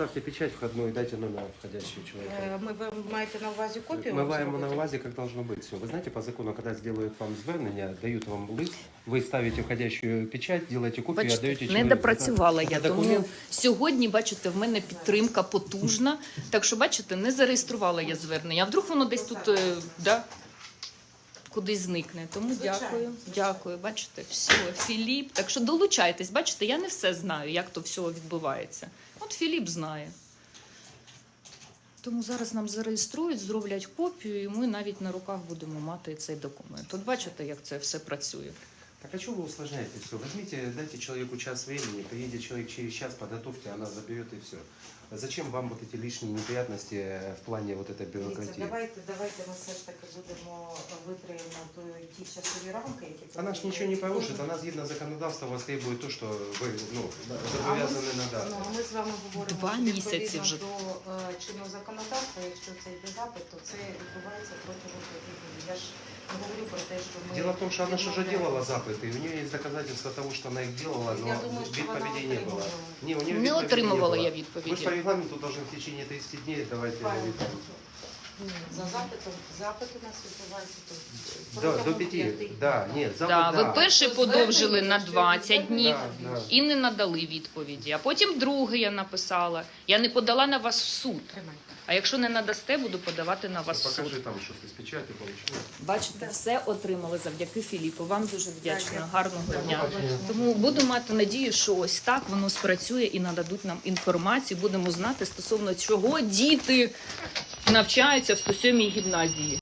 поставьте печать входную и дайте номер входящего человека. Ви маєте на увазі копію? Мы маем зробити? на увазе, как должно быть все. Вы знаете, по закону, когда сделают вам звернення, дают вам лист, вы ставите входящую печать, делаете копию, Бачите, отдаете не человеку. допрацювала я, Это тому документ. сьогодні, бачите, в мене підтримка потужна. Так що, бачите, не зареєструвала я звернення. А вдруг воно десь тут да, кудись зникне. Тому дякую, дякую. Бачите, все, Філіп. Так що долучайтесь. Бачите, я не все знаю, як то все відбувається. От Філіп знає. Тому зараз нам зареєструють, зроблять копію, і ми навіть на руках будемо мати цей документ. От бачите, як це все працює. Так а что вы усложняете все? Возьмите, дайте человеку час времени, приедет человек через час, подготовьте, она заберет и все. Зачем вам вот эти лишние неприятности в плане вот этой Дивіться, бюрократии? давайте ми все ж таки будемо витримати ті часові рамки, які... Она ж ничего не порушит, она згідно законодавства вас требует то, что вы зобов'язані надати. Ну, ми з вами говоримо, 2 що місяці відповідно вже. до чинного законодавства, якщо це йде запит, то це відбувається протягом 5 днів. Я ж не говорю про те, що ми... Дело в том, что она же уже делала запыты, и у нее есть доказательства того, что она их делала, но Я думаю, що вона відповідей не было. отримувала. Не, у нее Не відповідей отримувала не я было. Вы же відповіді. по регламенту должны в течение 30 дней давать Правильно. відповідь. За запитом, запит у нас відбувається тут. До протягом 5, 5 да, нет, запит, Да, ви да. перший подовжили на 20 днів Да, да. і не надали відповіді. А потім другий я написала. Я не подала на вас в суд. Тримайте. А якщо не надасте, буду подавати на вас в суд. Покажи там щось з печаті, получилось. Бачите, все отримали завдяки Філіпу. Вам дуже вдячна. Дякую. Гарного дня. Побачення. Тому буду мати надію, що ось так воно спрацює і нададуть нам інформацію. Будемо знати стосовно чого діти навчаються в 107-й гімназії.